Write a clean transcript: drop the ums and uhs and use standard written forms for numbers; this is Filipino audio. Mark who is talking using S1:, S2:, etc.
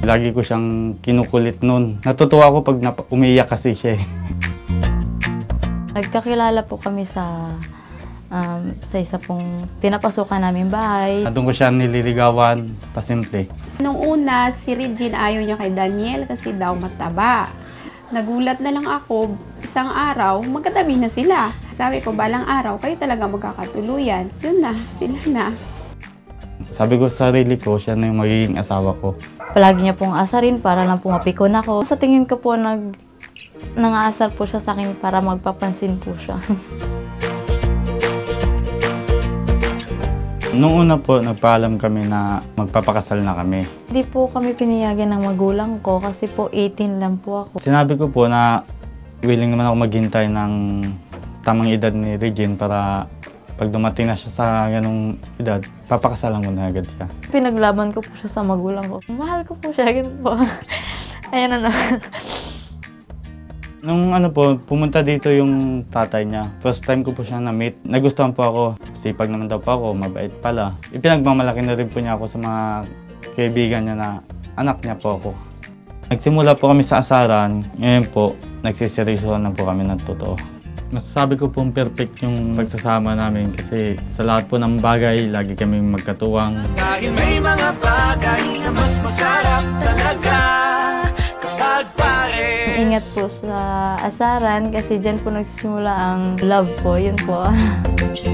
S1: Lagi ko siyang kinukulit noon. Natutuwa ako pag umiiyak kasi siya eh.
S2: Nagkakilala po kami sa isa pong pinapasukan namin bahay.
S1: Doon ko siya nililigawan, pasimple.
S3: Nung una, si Regine ayaw niya kay Daniel kasi daw mataba. Nagulat na lang ako, isang araw, magkatabi na sila. Sabi ko, balang araw, kayo talaga magkakatuluyan. Yun na, sila na.
S1: Sabi ko sa sarili ko, siya na yung magiging asawa ko.
S2: Palagi niya pong asarin para lang pumapikon ako. Sa tingin ko po, nangaasar po siya sa akin para magpapansin po siya.
S1: Noong una po, nagpaalam kami na magpapakasal na kami.
S2: Hindi po kami pinayagan ng magulang ko kasi po 18 lang po ako.
S1: Sinabi ko po na willing naman ako maghintay ng tamang edad ni Regine para pag dumating na siya sa ganong edad, papakasalan ko na agad siya.
S2: Pinaglaban ko po siya sa magulang ko. Mahal ko po siya, ganun po. Ayan na naman.
S1: Nung pumunta dito yung tatay niya. First time ko po siya na-meet. Nagustuhan po ako. Sipag naman daw po ako, mabait pala. Ipinagmamalaki na rin po niya ako sa mga kaibigan niya na anak niya po ako. Nagsimula po kami sa asaran. Ngayon po, nagsiseryosohan na po kami ng totoo. Masasabi ko pong perfect yung pagsasama namin kasi sa lahat po ng bagay, lagi kami magkatuwang.
S4: Dahil may mga bagay na mas masarap talaga kapag pare.
S2: Ingat po sa asaran kasi dyan po nagsisimula ang love po. Yun po.